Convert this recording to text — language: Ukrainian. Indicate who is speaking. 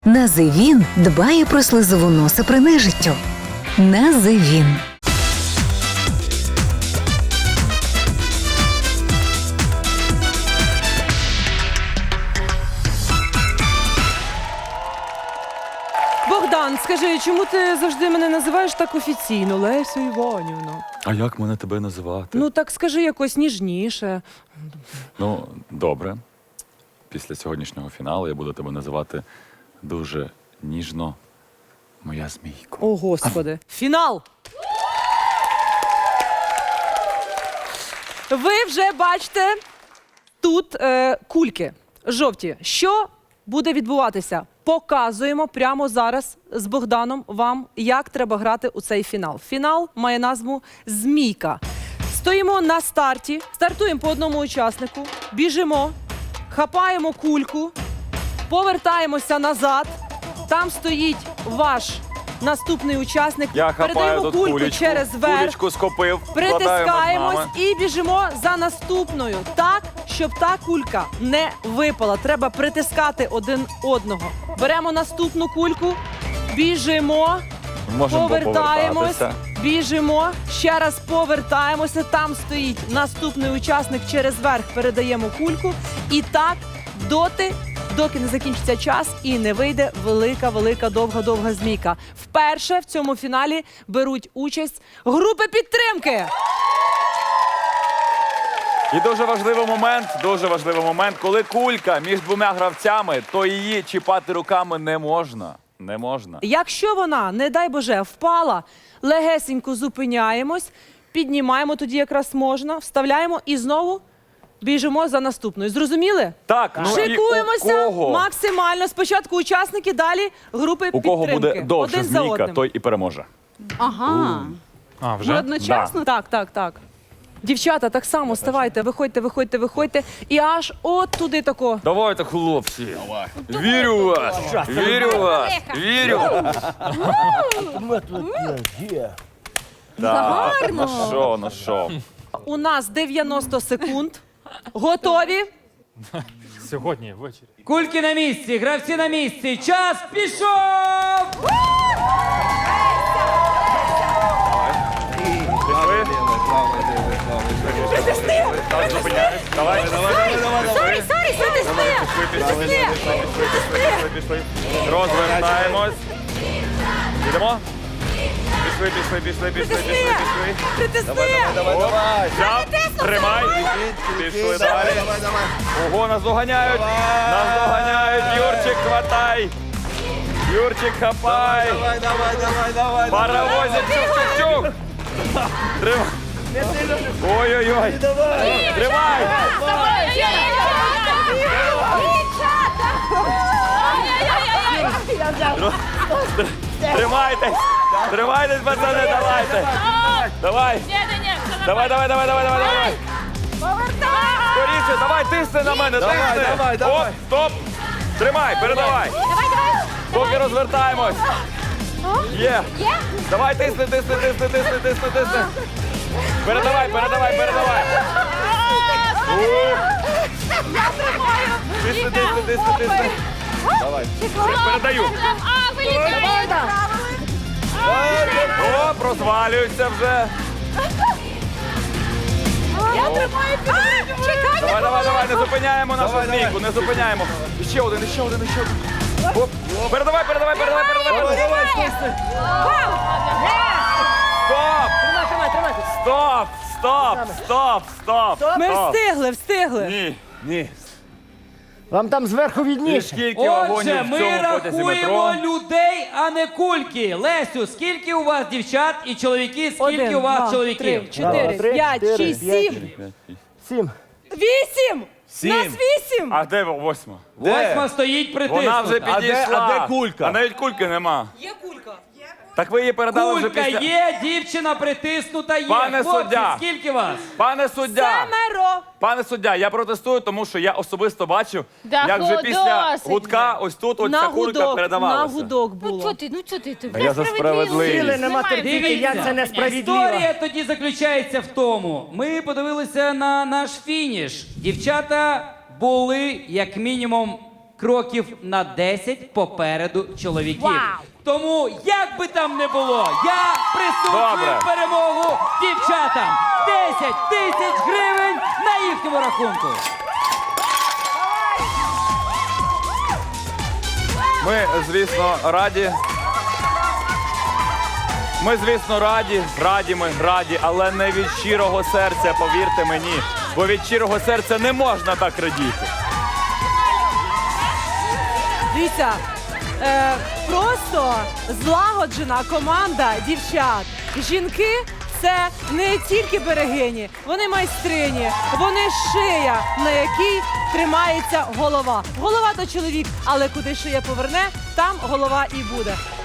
Speaker 1: Називін дбає про слизову носа при нежиттю. Називін.
Speaker 2: Богдан, скажи, чому ти завжди мене називаєш так офіційно, Лесю Іванівна?
Speaker 3: А як мене тебе називати?
Speaker 2: Ну так скажи якось ніжніше.
Speaker 3: Ну, добре. Після сьогоднішнього фіналу я буду тебе називати дуже ніжно, моя змійко.
Speaker 2: О, Господи. Фінал! Ви вже бачите тут кульки жовті. Що буде відбуватися? Показуємо прямо зараз з Богданом вам, як треба грати у цей фінал. Фінал має назву «Змійка». Стоїмо на старті, стартуємо по одному учаснику, біжимо, хапаємо кульку, повертаємося назад. Там стоїть ваш наступний учасник.
Speaker 3: Я хапаю
Speaker 2: Передаємо
Speaker 3: тут
Speaker 2: кульку
Speaker 3: кулечку,
Speaker 2: через верх.
Speaker 3: кулечку схопив,
Speaker 2: Притискаємось і біжимо за наступною. Так, щоб та кулька не випала. Треба притискати один одного. Беремо наступну кульку, біжимо,
Speaker 3: Можемо
Speaker 2: повертаємось,
Speaker 3: повертатися.
Speaker 2: біжимо, ще раз повертаємося. Там стоїть наступний учасник, через верх передаємо кульку. І так доки не закінчиться час і не вийде велика, довга змійка. Вперше в цьому фіналі беруть участь групи підтримки.
Speaker 3: І дуже важливий момент, коли кулька між двома гравцями, то її чіпати руками не можна. Не можна.
Speaker 2: Якщо вона, не дай Боже, впала, легесенько зупиняємось, піднімаємо, тоді якраз можна, вставляємо і знову біжимо за наступною. Зрозуміли?
Speaker 3: Так, ну
Speaker 2: Шикуємося
Speaker 3: і у кого?
Speaker 2: максимально. Спочатку учасники, далі групи
Speaker 3: У кого
Speaker 2: підтримки.
Speaker 3: буде довша
Speaker 2: Один за
Speaker 3: змійка,
Speaker 2: одним.
Speaker 3: той і переможе.
Speaker 4: Ага.
Speaker 5: А,
Speaker 4: Ви
Speaker 5: вже?
Speaker 4: одночасно?
Speaker 2: Так. Дівчата, так само ставайте, виходьте. І аж от туди тако.
Speaker 3: Давайте, хлопці. Вірю в вас. Вірю в вас. Вірю. Так, ну що.
Speaker 2: У нас 90 секунд. Готові?
Speaker 5: Сьогодні ввечері.
Speaker 6: Кульки на місці, гравці на місці. Час пішов!
Speaker 3: Пішли? Так, зупиняюсь. Давай. Пішли. Розвертаємось. Йдемо? Пішли.
Speaker 2: Притисни!
Speaker 3: Давай. Взяв, тримай. Пішли далі. Ого, нас доганяють. Юрчик, хватай. Юрчик, хапай. Паровозик, чук-чук-чук. Тримай. Ой-ой-ой. Тримай. Тримайтесь. Тримайтесь, пацани, давайте. Давай. Давай. Скоріше, давай, тисни на мене, тисни. Оп, стоп. Тримай, передавай. Поки розвертаємось. Є. Давай, тисни. Передавай. Тисни. Давай. Передаю. Оп, розвалюється вже.
Speaker 4: Я тримаю підтримку.
Speaker 3: Давай, не зупиняємо нашу змійку, не зупиняємо. Ще один. Оп. Передавай. Стоп.
Speaker 2: Ми встигли.
Speaker 3: Ні.
Speaker 7: Вам там зверху
Speaker 3: І
Speaker 7: відніше.
Speaker 3: скільки
Speaker 6: Отже,
Speaker 3: вагонів в
Speaker 6: ми
Speaker 3: цьому потязі
Speaker 6: рахуємо
Speaker 3: метро?
Speaker 6: людей, а не кульки. Лесю, скільки у вас дівчат і чоловіки, скільки
Speaker 2: 1,
Speaker 6: у вас
Speaker 2: 2,
Speaker 6: чоловіків?
Speaker 2: 3, 4, 5, 6, 7.
Speaker 7: 7.
Speaker 2: 8! Нас 8!
Speaker 3: А де восьма?
Speaker 6: Восьма стоїть притиснута.
Speaker 3: Вона вже підійшла.
Speaker 8: А де кулька?
Speaker 3: А навіть кульки нема.
Speaker 2: Є кулька.
Speaker 3: Так ви її передали вже
Speaker 6: Кулька
Speaker 3: після...
Speaker 6: є, дівчина притиснута є.
Speaker 3: Пане
Speaker 6: Хлопці,
Speaker 3: суддя.
Speaker 6: скільки вас?
Speaker 3: Пане суддя, я протестую, тому що я особисто бачив,
Speaker 4: Да
Speaker 3: як вже після
Speaker 4: досить
Speaker 3: гудка ось тут ось
Speaker 2: На
Speaker 3: ця кулька
Speaker 2: гудок
Speaker 3: передавалася.
Speaker 2: було.
Speaker 4: Ну чого ти?
Speaker 3: Я за справедливість.
Speaker 7: Сили нема терпіти,
Speaker 6: Дивіться,
Speaker 7: як це несправедливо.
Speaker 6: історія тоді заключається в тому. Ми подивилися на наш фініш. Дівчата були як мінімум кроків на 10 попереду чоловіків.
Speaker 4: Вау!
Speaker 6: Тому, як би там не було, я присуджую
Speaker 3: Добре.
Speaker 6: перемогу дівчатам. 10 тисяч гривень на їхньому рахунку.
Speaker 3: Ми, звісно, раді. Ми, звісно, раді, але не від щирого серця, повірте мені. Бо від щирого серця не можна так радіти.
Speaker 2: Дивіться, просто злагоджена команда дівчат. Жінки це не тільки берегині, вони майстрині, вони шия, на якій тримається голова. Голова то чоловік, але куди шия поверне, там голова і буде.